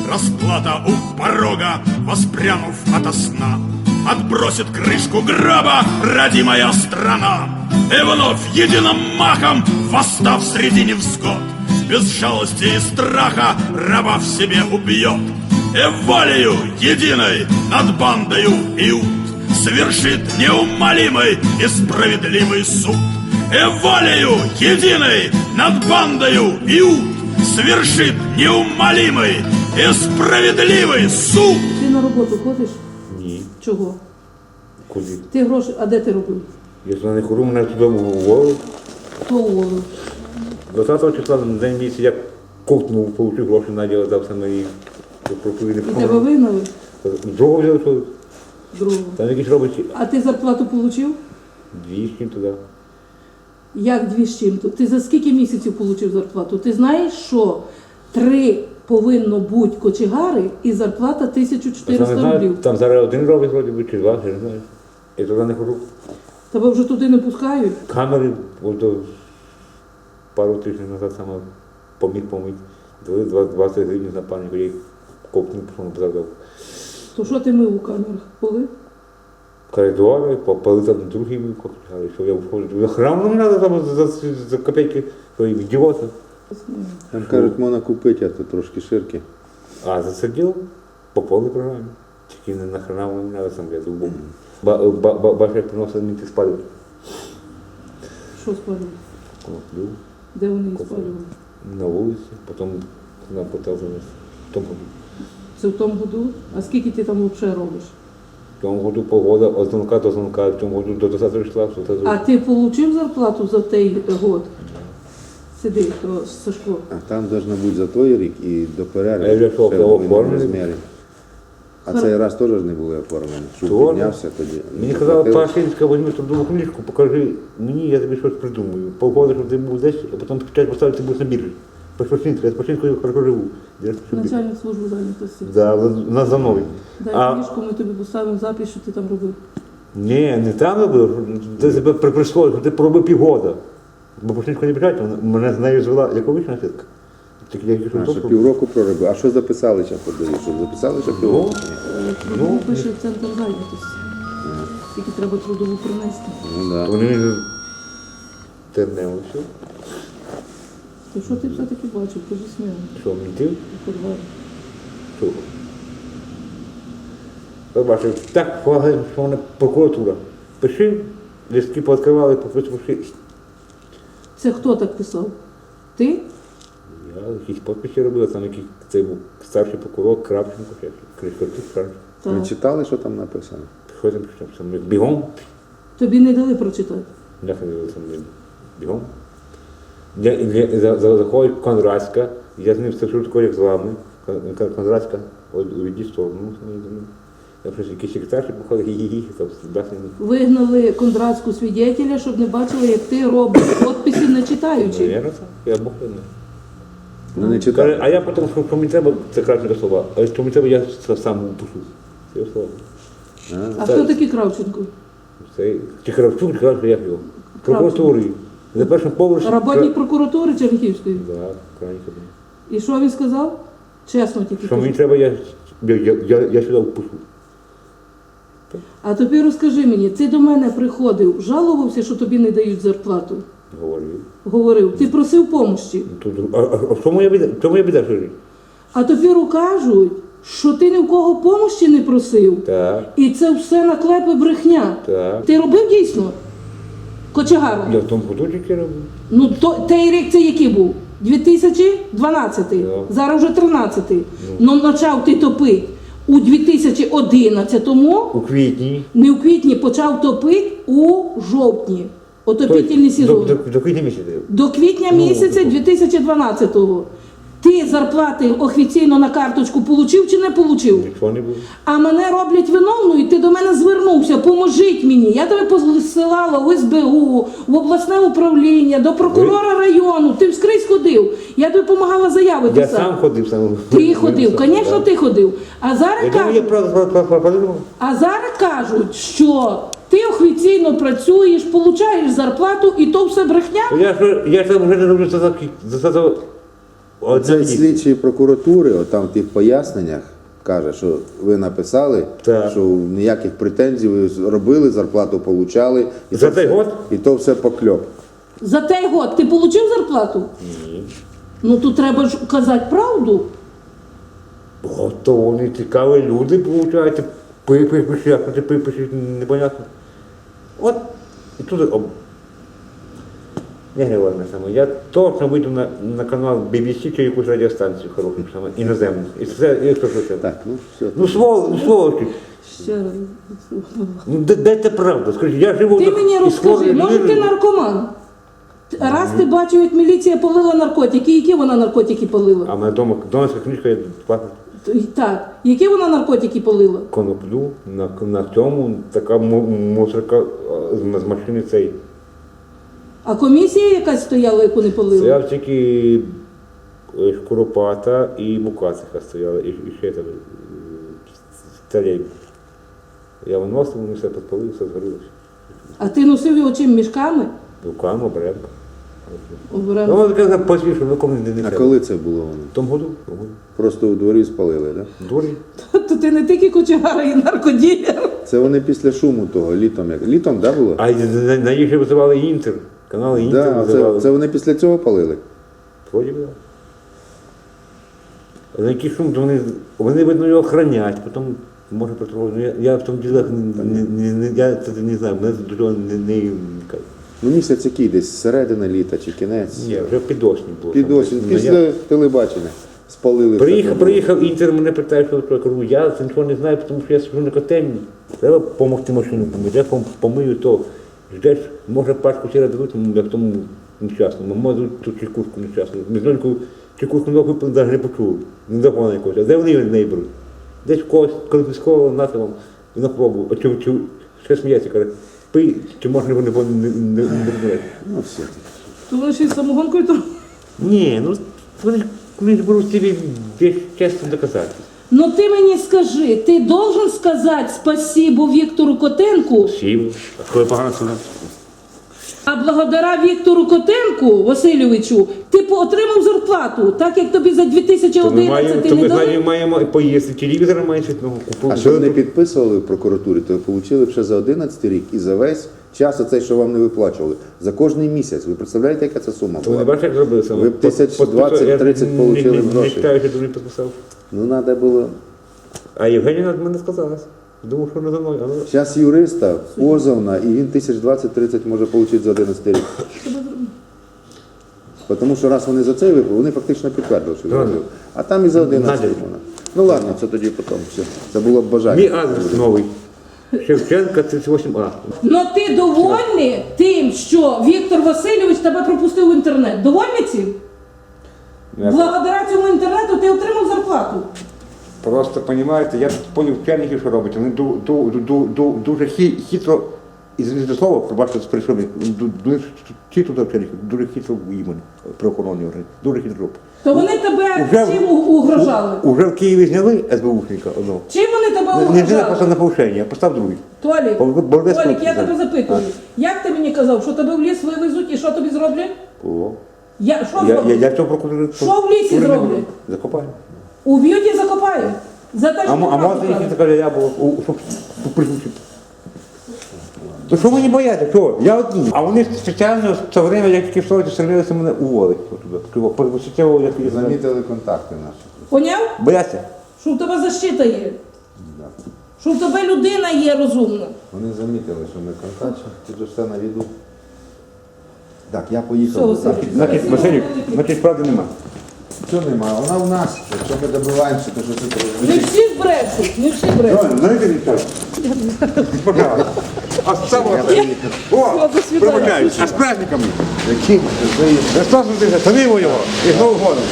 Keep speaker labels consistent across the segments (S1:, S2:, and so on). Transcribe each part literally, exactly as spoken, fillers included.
S1: расплата у порога, воспрянув ото сна. Отбросит крышку гроба родимая страна, и вновь единым махом, восстав среди невзгод, без жалости и страха раба в себе убьет, и волею единой над бандою Иуд совершит неумолимый и справедливый суд. И волею единой над бандою Иуд совершит неумолимый и справедливый суд.
S2: Ти на роботу ходиш?
S3: Ні.
S2: Чого?
S3: Куди?
S2: Ти гроші, а де ти робив?
S3: Я туди не хожу, мене туди уволив.
S2: Хто уволив?
S3: двадцятого числа на день місяця я ковтнув, отримав гроші, Надя дав саме їх.
S2: І тебе вигнали?
S3: Другого взяли, що
S2: Другого.
S3: там якісь робочі.
S2: А ти зарплату отримав?
S3: Дві з чим туди.
S2: Як дві з чим-то? Ти за скільки місяців отримав зарплату? Ти знаєш, що три повинно бути кочегари і зарплата тисяча чотириста рублів.
S3: Там зараз один робить, вроді би, чи два, я не знаю. Я туди не хожу.
S2: Тебе вже туди не пускають?
S3: Камери, от до пару тижнів назад саме поміг помити. Дали двадцять гривень за паніку, я їх ковтнув, пішов позадав.
S2: То що ти мив у камерах? Поли?
S3: Коридори, попали там другий мій кочегари, що я входжу. Храм не треба там за, за, за копійки, що їх ідіоти.
S4: Там кажуть, можна купити, а то трошки ширки.
S3: А за це діло по повній програмі. Тільки не на хрена мені треба сам я зубом. Ба, ба, ба, бачиш, як приносили мені спалювати.
S2: Що спалювали?
S3: Коноплю,
S2: Де вони їх спалювали?
S3: на вулиці, потім на потел занес. В тому году.
S2: Це в тому году? А скільки ти там взагалі робиш?
S3: В тому году погода від дзвонка до дзвонка, в тому году до двадцятого числа.
S2: А ти отримав зарплату за той год? Сиди, то Сашко.
S4: А там повинно бути за той рік і до перерви.
S3: А я вже що,
S4: ще
S3: кого
S4: повинні
S3: оформили?
S4: розміри. А цей раз теж не були оформлені. Шуб
S3: Тоже?
S4: піднявся тоді.
S3: Мені
S4: Ну,
S3: казала,
S4: заплатили.
S3: Пашинська, візьми трудову книжку, покажи мені, я тобі щось придумаю. Погода, щоб ти був десь, а потім почать поставити, ти будеш на біржі. Пашинська, я з Пашинською хорошо живу.
S2: Начальник служби зайнятості.
S3: Да, у нас за мною.
S2: Дай
S3: А-
S2: книжку, ми тобі поставимо запис, що ти там робив.
S3: Ні, не там робив, ти себе приприсвоїв, що ти проробив півгода. Бо Пашинська не біжать, мене з нею звела, як обична сітка. Тільки я
S4: А, що півроку проробив. А що записали ще подаю? Що записали ще півроку?
S2: Ну,
S3: Ну,
S2: пише в центр зайнятості. Скільки треба трудову принести.
S4: Ну так.
S3: Вони мені тернево все.
S2: То що ти все-таки бачив? Кажи сміло.
S3: Що, мені ти?
S2: У подвалі.
S3: Що? Я бачив, так полагаю, що вона прокуратура. Пиши, листки пооткривали, попиши.
S2: Це хто так писав? Ти?
S3: Я якісь підписи робив, там якийсь це був старший прокурор Кравченко, Кришко, ти Кравченко.
S2: Так.
S4: Ви читали, що там написано?
S3: Що там пішов? Сам бігом.
S2: Тобі не дали прочитати.
S3: Я ходив сам бігом. Я, я, за, за, заходить Конрадська, я з ним стежу такою, як з вами. Кон- Конрадська, увійди в сторону. Я просто якийсь секретарші походив, гі-гі-гі, там басні.
S2: Вигнали кондратську свідетеля, щоб не бачили, як ти робиш підписи, не читаючи.
S3: Наверно, так. Я Бог не знаю.
S4: Ну не
S3: Каже,
S4: читали.
S3: а я потім, що мені треба, це краще слова, а що мені треба, я сам пишу. Це його слова.
S2: А
S3: Це-
S2: хто такий Кравченко?
S3: Це чи Кравчук, чи Кравчук, як його? Прокуратури. За першим поверхом.
S2: Работник прокуратури Чернігівської.
S3: Так, крайній кабінет.
S2: І що він сказав? Чесно тільки
S3: Що мені
S2: кажу.
S3: треба, я, я, я, я, я сюди впишу.
S2: А тобі розкажи мені, ти до мене приходив, жалувався, що тобі не дають зарплату?
S3: Говорив.
S2: Говорив, ти просив помощі.
S3: Тут, а, а, а що моя біда? Що моя біда, що жить?
S2: А тепер кажуть, що ти ні в кого помощі не просив.
S3: Так,
S2: І це все наклепи брехня.
S3: так.
S2: Ти робив дійсно? Кочегаром?
S3: Я в тому году тільки робив.
S2: Ну, то, той рік це який був? дві тисячі дванадцятий.
S3: Да.
S2: Зараз вже тринадцятий. Ну, почав ти топити у дві тисячі одинадцятому,
S3: У квітні.
S2: не у квітні, почав топити у жовтні. Отопітельний
S3: Тобто, до,
S2: сезон.
S3: до, до квітня місяця.
S2: До квітня
S3: Ну,
S2: місяця
S3: ну.
S2: дві тисячі дванадцятого. Ти зарплати офіційно на карточку получив чи не получив?
S3: Нічого не було.
S2: А мене роблять виновною, і ти до мене звернувся, поможіть мені. Я тебе посилала в ес бе у, в обласне управління, до прокурора району. Ти вскрізь ходив. Я тобі допомагала заяви
S3: Я
S2: писати.
S3: сам ходив сам.
S2: Ти ходив, звісно, ти ходив. А зараз
S3: Я думаю, я
S2: кажуть,
S3: правда подумав.
S2: а зараз кажуть, що ти офіційно працюєш, получаєш зарплату, і то все брехня.
S3: Я ж я ж там вже не роблю за за за Одна
S4: Це
S3: дійсно.
S4: слідчі прокуратури, от там в тих поясненнях каже, що ви написали,
S3: Так.
S4: що ніяких претензій ви робили, зарплату получали. І
S3: За
S4: то
S3: цей
S4: все-
S3: год?
S4: І то все покльоп.
S2: За той год ти отримав зарплату?
S3: Ні.
S2: Ну тут треба ж казати правду.
S3: О, то вони цікаві люди, виходить, пипиш, як ти пипиш, непонятно. От, і тут, об... не говорю саме, я точно вийду на, на канал бі бі сі чи якусь радіостанцію хорошу, саме, іноземну. І це, і що, що це?
S4: Так, ну все.
S3: Ну, свол, ну, сволочі.
S2: Ще раз.
S3: Ну, де, де це правда? Скажи, я живу
S2: Ти
S3: на-
S2: мені
S3: із
S2: розкажи,
S3: хворою
S2: може ти
S3: людиною.
S2: наркоман? Раз ти бачив, як міліція полила наркотики, які вона наркотики полила?
S3: А в мене вдома донорська книжка є платна.
S2: Так, які вона наркотики полила?
S3: Коноплю, на, на цьому така му- мусорка а, з, з машини цей.
S2: А комісія якась стояла, яку не полила?
S3: Стояв тільки е, Шкуропата і Мукациха стояли, і, і ще там е, царей. Я виносив, вони все підпалили, все згорілося.
S2: А ти носив його чим, мішками?
S3: Руками, оберемка. Ну,
S2: Обрав.
S3: воно таке посвішу, нікому не, не
S4: А
S3: треба.
S4: коли це було воно?
S3: В тому году, в тому году.
S4: Просто у дворі спалили, так? Да?
S3: Дурі.
S2: То ти не тільки кочегар, і наркоділер.
S4: Це вони після шуму того, літом як. Літом, да, було?
S3: А й на, на їх же визивали Інтер. Канали Інтер
S4: Да,
S3: визивали.
S4: це, це вони після цього палили.
S3: Вроді би, да. А на який шум, то вони, вони видно, його охранять, потім може потроху. Ну, я, я в тому ділах не, не, не, не, я це не знаю, мене до цього не, не, не
S4: Ну місяць який десь, середина літа чи кінець.
S3: ні, вже під осінь було.
S4: Під осінь,
S3: Ну, я
S4: після телебачення. Спалили все.
S3: Приїхав,
S4: там.
S3: приїхав Інтер, мене питає, що таке. Я кажу, я це нічого не знаю, тому що я сиджу на котельні. Треба допомогти машину помити. Я пом- помию то. Ждеш, може пачку сіра дадуть, ну, як тому нещасному. Може ту чекушку нещасну. Мізноньку чекушку нову навіть не почули. Не закону якось. А де вони неї беруть? Десь когось конфісковано нати вам на пробу. А чи, чи, ще сміється, каже, пий, чи можна вони не, не, не, не брати.
S4: Ну все.
S2: То вони ще й самогонкою то.
S3: Ні, ну вони, вони ж беруть собі десь чесно доказати.
S2: Ну ти мені скажи, ти должен сказати спасибо Віктору Котенку,
S3: Сів, а коли погано сюди.
S2: а благодаря Віктору Котенку Васильовичу ти по- отримав зарплату, так як тобі за
S3: То ми маємо,
S2: дві тисячі одинадцятий
S3: то ми
S2: не
S3: з
S2: дали?
S3: Надією маємо поїсти телевізор, має щось нового купити.
S4: А що вони підписували в прокуратурі, то отримали б ще за одинадцятий рік і за весь час оцей, що вам не виплачували. За кожний місяць. Ви представляєте, яка це сума
S3: То ви не
S4: була?
S3: бачите, як зробили саме?
S4: Ви б тисяч двадцять тридцять получили
S3: Не
S4: грошей.
S3: читаю, що дуже підписав.
S4: Ну, треба було.
S3: А Євгенія над мене сказала. Думав, що не за мною. Але...
S4: Зараз юриста позовна, і він тисяч двадцять тридцять може отримати за одинадцятий рік. Тому що раз вони за це випали, вони фактично підтвердили, що
S3: Правильно.
S4: зробили. А там і за одинадцятий
S3: Надя.
S4: можна. Ну ладно, це тоді потім. Все. Це було б бажання.
S3: Мій адрес новий. Шевченка, тридцять вісім А.
S2: Ну ти довольний тим, що Віктор Васильович тебе пропустив в інтернет? Довольний цим? Благодаря цьому інтернету ти отримав зарплату.
S3: Просто, розумієте, я тут поняв вчеників, що робить. Вони ду- ду- ду- ду- дуже хі- хитро, і за слово, пробачте, прийшов, ду- дуже хитро до вчеників, дуже хитро імені, правоохоронні органи, дуже хитро.
S2: То вони тебе
S3: Уже-
S2: чим у- угрожали?
S3: Уже в Києві зняли СБУшника одного.
S2: Чим вони тебе
S3: Не зняли
S2: угрожали?
S3: просто на повишення, а постав другий.
S2: Толік,
S3: Бо- бо- бо десь
S2: Толік, я
S3: хлопці
S2: тебе
S3: знають.
S2: запитую. Як ти мені казав, що тебе в ліс вивезуть і що тобі зроблять?
S3: О.
S2: Я, що
S3: Я, я,
S2: зроблять?
S3: я цього прокурора...
S2: Що в лісі зроблять?
S3: Закопаю.
S2: Уб'ють і закопають. За те, що
S3: А, мо- а
S2: ти правду
S3: може їх
S2: кажеш.
S3: така я було, у- щоб присутні. То що ви не бояться? Що? Я одні. А вони спеціально в це время, як тільки встали, стремилися мене уволити. Посвятило, як я знаю.
S4: Замітили контакти наші.
S2: Поняв?
S3: Бояться?
S2: Що в тебе защита є? Що в тебе людина є розумна?
S4: Вони замітили, що ми контактуємо, тут же все на віду. Так, я поїхав.
S2: Все,
S4: до
S2: Василь.
S4: Саші.
S3: Значить, Василь, значить, правди нема.
S4: Що немає? Вона в нас. Якщо ми добиваємося, то що це
S2: Не
S4: треба?
S2: всі брешуть, не всі брешуть.
S3: Правильно, знаєте нічого? Пожалуйста. А з самого О,
S2: до свидання.
S3: пробачаюсь. А з праздниками.
S4: Яким?
S3: Христос Воскресе, самі його і з Новим годом.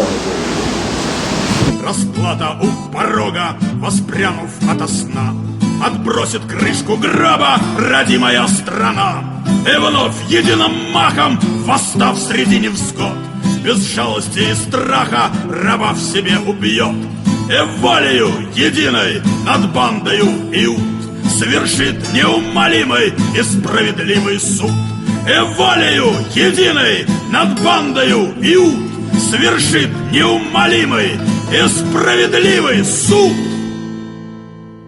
S1: Расплата у порога, воспрянув ото сна, отбросит крышку гроба родимая страна. И вновь единым махом, восстав среди невзгод, без жалости и страха раба в себе убьет. И волею единой над бандою Иуд совершит неумолимый и справедливый суд. И волею единой над бандою Иуд свершит неумолимый и справедливый суд.